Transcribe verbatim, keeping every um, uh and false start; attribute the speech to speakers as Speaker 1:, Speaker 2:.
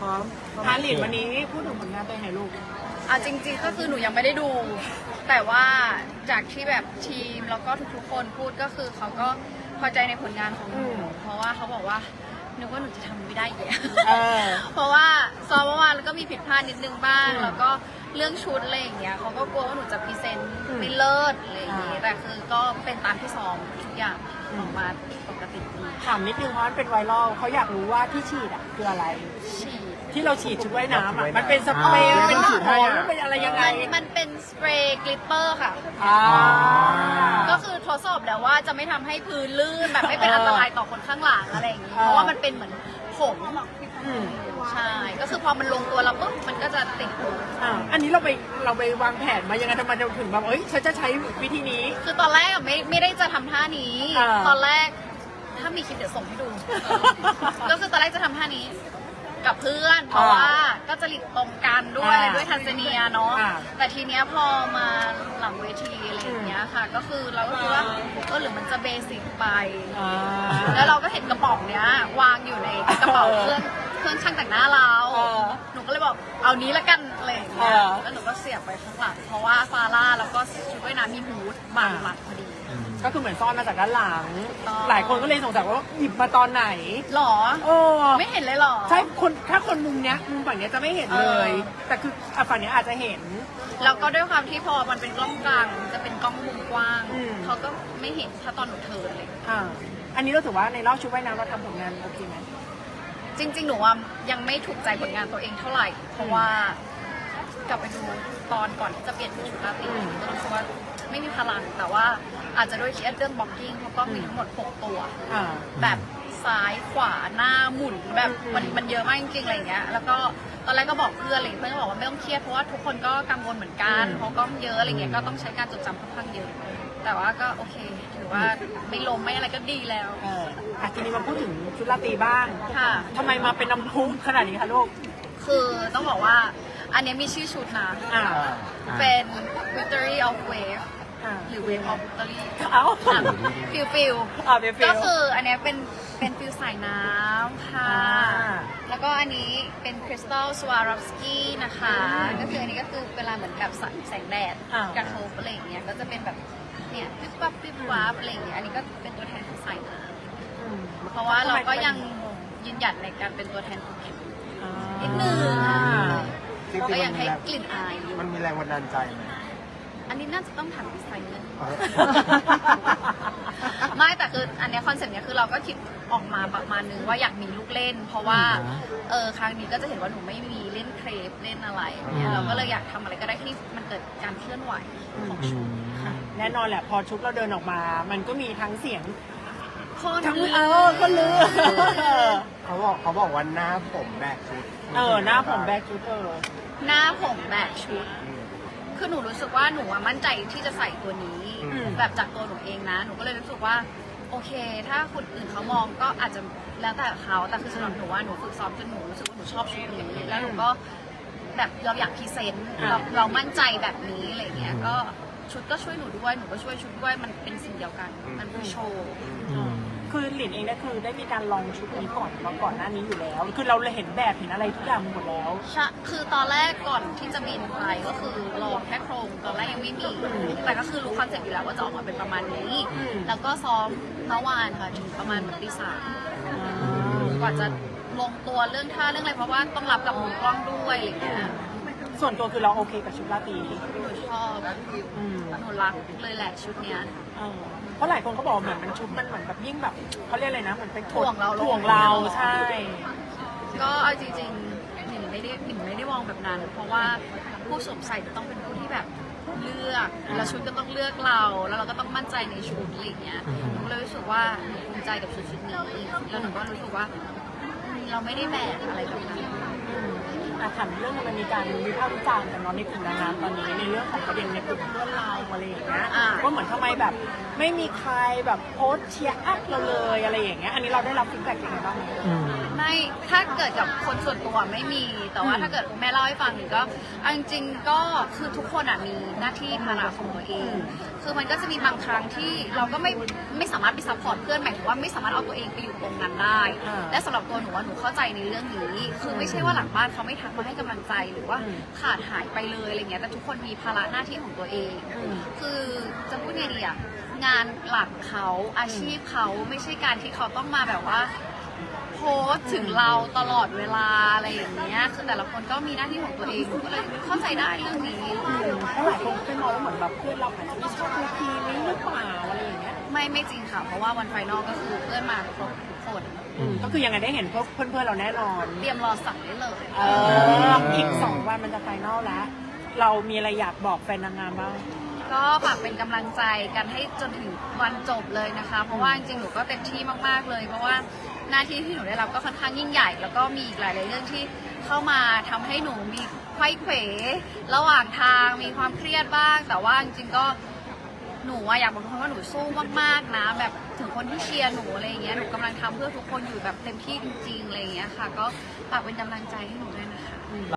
Speaker 1: ร้อมฮารินวันนี้พูดถึงผลงานตัวเองหน่อยลูก
Speaker 2: อ่ะจริงๆก็คือหนูยังไม่ได้ดู แต่ว่าจากที่แบบทีมแล้วก็ทุกๆคนพูดก็คือเขาก็พอใจในผลงานของหนูเพราะว่าเขาบอกว่านึกว่าหนูจะทำไม่ได้เยอะเพราะว่าซ้อมเมื่อวานแล้วก็มีผิดพลาดนิดนึงบ้างแล้วก็เรื่องชุดอะไรอย่างเงี้ยเขาก็กลัวว่าหนูจะพรีเซนต์ไม่เลิศอะไรอย่างเงี้ยแต่คือก็เป็นตามที่ซ้อมทุกอย่างออกมาปกติดี
Speaker 1: ถามนิดนึงเพราะมันเป็นไวรัลเขาอยากรู้ว่าที่ฉีดอ่ะคืออะไร
Speaker 2: ฉีด
Speaker 1: ที่เราฉีดชุดว่ายน้ำอ่ะมันเป็นสเปรย์เป็นฉีดให้อ่ะเป็นอะไรยังไง
Speaker 2: มันเป็นสเปรย์กลิตเตอร์ค่ะก็คือทดสอบแล้วว่าจะไม่ทำให้พื้นลื่นแบบไม่เป็นอันตรายต่อคนข้างหลังอะไรอย่างงี้เพราะว่ามันเป็นเหมือนผงใช่ก็คือพอมันลงตัวแล้วปุ๊บมันก็จะติด
Speaker 1: อ่าอันนี้เราไปเราไปวางแผนมายังไงทำไมเราถึงแบบเอ้ยฉันจะใช้วิธีนี้
Speaker 2: คือตอนแรกอะไม่ไม่ได้จะทำท่านี้ตอนแรกถ้ามีคลิปเดี๋ยวส่งให้ดูก็คือตอนแรกจะทำท่านี้กับเพื่อนเพราะว่าก็จะหลีกตรงกันด้วยด้วยทันซาเนียเนาะแต่ทีเนี้ยพอมาหลังเวทีอะไรอย่างเงี้ยค่ะก็คือเราก็คิดว่าเออหรือมันจะเบสิกไปแล้วเราก็เห็นกระป๋องเนี้ยวางอยู่ในกระเป๋าเครื่องเครื่องช่างแต่งหน้าเราหนูก็เลยบอกเอานี้ละกันอะไรอย่างเงี้ยแล้วหนูก็เสียบไปข้างหลังเพราะว่าฟาร่าแล้วก็ชุดว่ายน้ำมีฮูดบางหลังพอดี
Speaker 1: ก็คือเหมือนซ่อนมาจากด้านหลังหลายคนก็เลยสงสัยว่าหยิบมาตอนไหน
Speaker 2: หรอ
Speaker 1: โอ้
Speaker 2: ไม่เห็นเลยหรอ
Speaker 1: ใช่คนถ้าคนมุมเนี้ยมุมฝั่งเนี้ยจะไม่เห็นเลยแต่คือฝั่งเนี้ยอาจจะเห็น
Speaker 2: แล้วก็ด้วยความที่พอมันเป็นกล้องกลางจะเป็นกล้องมุมกว้างเขาก็ไม่เห็นถ้าตอนหนูเทิร์นเลย
Speaker 1: อ่าอันนี้เราถือว่าในรอบชุดว่ายน้ำเราทำผลงานโอเคไหม
Speaker 2: จริงๆหนูว่ายังไม่ถูกใจผลงานตัวเองเท่าไหร่เพราะว่ากลับไปดูตอนก่อนที่จะเปลี่ยนชุดราตรีก็รู้สึกว่าไม่มีพลังแต่ว่าอาจจะด้วยเคสเรื่องบล็อกกิ้งเพราะก็มีทั้งหมดหกตัวแบบซ้ายขวาหน้าหมุนแบบมันมันเยอะมากจริงๆอะไรอย่างเงี้ยแล้วก็ตอนแรกก็บอกเพื่อนอะไรเพื่อนก็บอกว่าไม่ต้องเครียดเพราะว่าทุกคนก็กังวลเหมือนกันเพราะก็เยอะอะไรเงี้ยก็ต้องใช้การจดจำค่อนข้างเยอะแต่ว่าก็โอเคถือว่าไม่ล้มไม่อะไรก็ดีแล้ว
Speaker 1: เอออ่ะทีนี้มาพูดถึงชุดราตรีบ้าง
Speaker 2: ค่ะ
Speaker 1: ทำไมมาเป็นน้ำพุขนาดนี้คะลูก
Speaker 2: คือต้องบอกว่าอันนี้มีชื่อชุดนะเป็น Victory of Wave หรือ Wave of Victory
Speaker 1: เอา
Speaker 2: ฟิลฟิลก็คืออันนี้เป็นเป็นฟิลสายน้ำค่ะแล้วก็อันนี้เป็นคริสตัลสวารอฟสกี้นะคะก็คืออันนี้ก็คือเวลาเหมือนกับแสงแดดกระทบอะไรอย่างเงี้ยก็จะเป็นแบบเนี่ยปิ๊บปั๊บปิ๊บปั๊บอะไรอย่างเงี้ยอันนี้ก็เป็นตัวแทนของสายน้ำเพราะว่าเราก็ยังยืนหยัดในการเป็นตัวแทนของเข็มนิดนึงก็ยังให้กลิ่นอายอยู่
Speaker 3: มันมีแรงบันดาลใจไหม
Speaker 2: อันนี้น่าจะต้องถามดีไซเนอร์ไม่แต่คืออันนี้คอนเซ็ปต์เนี้ยคือเราก็คิดออกมาประมาณนึงว่าอยากมีลูกเล่นเพราะว่าเออครั้งนี้ก็จะเห็นว่าหนูไม่มีเล่นเครปเล่นอะไรเนี่ยเราก็เลยอยากทำอะไรก็ได้ที่มันเกิดการเคลื่อนไหวของชุด
Speaker 1: แน่นอนแหละพอชุดเราเดินออกมามันก็มีทั้งเสียง
Speaker 2: ทั้ง
Speaker 1: เออก็ลือ
Speaker 3: เขาบอกเขาบอกว่าหน้าผมแบกชุด
Speaker 1: เออหน้าผมแบกชุดเออ
Speaker 2: หน้าผมแบกชุดคือหนูรู้สึกว่าหนูมั่นใจที่จะใส่ตัวนี้แบบจากตัวหนูเองนะหนูก็เลยรู้สึกว่าโอเคถ้าคนอื่นเขามองก็อาจจะแล้วแต่เขาแต่คือสำหรับหนูว่าหนูฝึกซ้อมจนหนูรู้สึกว่าหนูชอบชุดนี้แล้วหนูก็แบบเราอยากพรีเซนต์เราเรามั่นใจแบบนี้อะไรเงี้ยก็ชุดก็ช่วยหนูด้วยหนูก็ช่วยชุดด้วยมันเป็นสิ่งเดียวกันมันคือโชว์
Speaker 1: คือหลินเองก็คือได้มีการลองชุดนี้ก่อนมาก่อนหน้านี้อยู่แล้วคือเราเลยเห็นแบบเห็นอะไรทุกอย่างหมดแล้ว
Speaker 2: ใช่คือตอนแรกก่อนที่จะบินไปก็คือลองแค่โครงตอนแรกยังไม่มีแต่ก็คือรู้คอนเซ็ปต์อยู่แล้วว่าจะออกมาเป็นประมาณนี้แล้วก็ซ้อมเมื่อวานค่ะถึงประมาณตีสามกว่าจะลงตัวเรื่องท่าเรื่องอะไรเพราะว่าต้องรับกับมุมกล้องด้วยอะไรเงี้ย
Speaker 1: ส่วนตัวคือเราโอเคกับชุดราตรี
Speaker 2: หนูชอบหนูรักเลยแหละชุดเนี้ย
Speaker 1: เพราะหลายคนเขาบอกเหมือนมันชุดมันเหมือนแบบยิ่งแบบเขาเรียกอะไรนะเหมือนเป็น
Speaker 2: ถ่วงเรา
Speaker 1: ถ่วงเราใช่
Speaker 2: ก็เอาจริงๆหนิงไม่ได้หนิงไม่ได้มองแบบนั้นเพราะว่าผู้สวมใส่จะต้องเป็นผู้ที่แบบเลือกแล้วชุดก็ต้องเลือกเราแล้วเราก็ต้องมั่นใจในชุดอะไรอย่างเงี้ยหนูเลยรู้สึกว่าหนูภูมิใจกับชุดชุดนี้แล้วหนูก็รู้สึกว่าเราไม่ได้แบกอะไรแบบนั้น
Speaker 1: ออ่ะถามเรื่องมันมีการวิพากษ์วิจารณ์กันเนาะในกลุ่มนางงามตอนนี้ในเรื่องของประเด็นในกลุ่มเพื่อนเราอะไรอย่างเงี้ย
Speaker 2: อ่า
Speaker 1: ว่าเหมือนทำไมแบบ ไม่มีใครแบบโพสต์เชียร์อัพเราเลยอะไรอย่างเงี้ยอันนี้เราได้รับฟีดแบ็กยังไงบ้างไหม
Speaker 3: อืม
Speaker 2: ไม่ถ้าเกิดกับคนส่วนตัวไม่มี แต่ว่า
Speaker 1: อืม
Speaker 2: ถ้าเกิดแม่เล่าให้ฟังหนึ่งก็เอาจริงๆก็คือทุกคนอ่ะมีหน้าที่ภาระของตัวเอง คือมันก็จะมีบางครั้งที่เราก็ไม่ไม่สามารถไปซัพพอร์ตเพื่อนหมายถึงว่าไม่สามารถเอาตัวเองไปอยู่ตรงนั้นได้
Speaker 1: อ่า
Speaker 2: และสำหรับตัวหนูว่าหนูเข้าใจในเรื่องนี้ คือไม่ใช่ว่าหลังบ้านเขาไม่ทักมาให้กำลังใจหรือว่า
Speaker 1: อืม
Speaker 2: ขาดหายไปเลยอะไรเงี้ยแต่ทุกคนมีภาระหน้าที่ของตัวเอง
Speaker 1: อืม
Speaker 2: คือจะพูดไงดีอะงานหลักเขาอาชีพเขาไม่ใช่การที่เขาต้องมาแบบว่า โพสต์ถึงเราตลอดเวลาอะไรอย่างเงี้ย คือแต่ละคนก็มีหน้าที่ของตัวเองหนูก็เลยเข้าใจได้เรื่องนี้
Speaker 1: เพราะหลายคนก็ไปมองว่าเหมือนแบบเพื่อนเราอาจจะไม่ชอบดูทีนี้หรือเปล่าอะไรอย่างเงี้ย
Speaker 2: ไม่ไม่จริงค่ะ เพราะว่าวันไฟนอลก็คือเพื่อนมาครบทุกคน
Speaker 3: อืม
Speaker 1: ก็คือยังไงได้เห็นพวกเพื่อนๆเราแน่นอน
Speaker 2: เตรียมรอสั่งได้เลย
Speaker 1: เอออีกสองวันมันจะไฟนอลแล้ว เรามีอะไรอยากบอกแฟนนางงามบ้าง
Speaker 2: ก็ฝากเป็นกำลังใจกันให้จนถึงวันจบเลยนะคะ เพราะว่าจริงๆหนูก็เต็มที่มากๆเลย เพราะว่าหน้าที่ที่หนูได้รับก็ค่อนข้างยิ่งใหญ่ แล้วก็มีอีกหลายๆเรื่องที่เข้ามาทำให้หนูมีไขว้เขวระหว่างทางมีความเครียดบ้าง แต่ว่าจริงๆก็หนูอะอยากบอกทุกคนว่าหนูสู้มากๆนะ แบบถึงคนที่เชียร์หนูอะไรอย่างเงี้ยหนูกำลังทำเพื่อทุกคนอยู่แบบเต็มที่จริงๆอะไรอย่างเงี้ยค่ะ ก็ฝากเป็นกำลังใจให้หนูด้วยนะคะ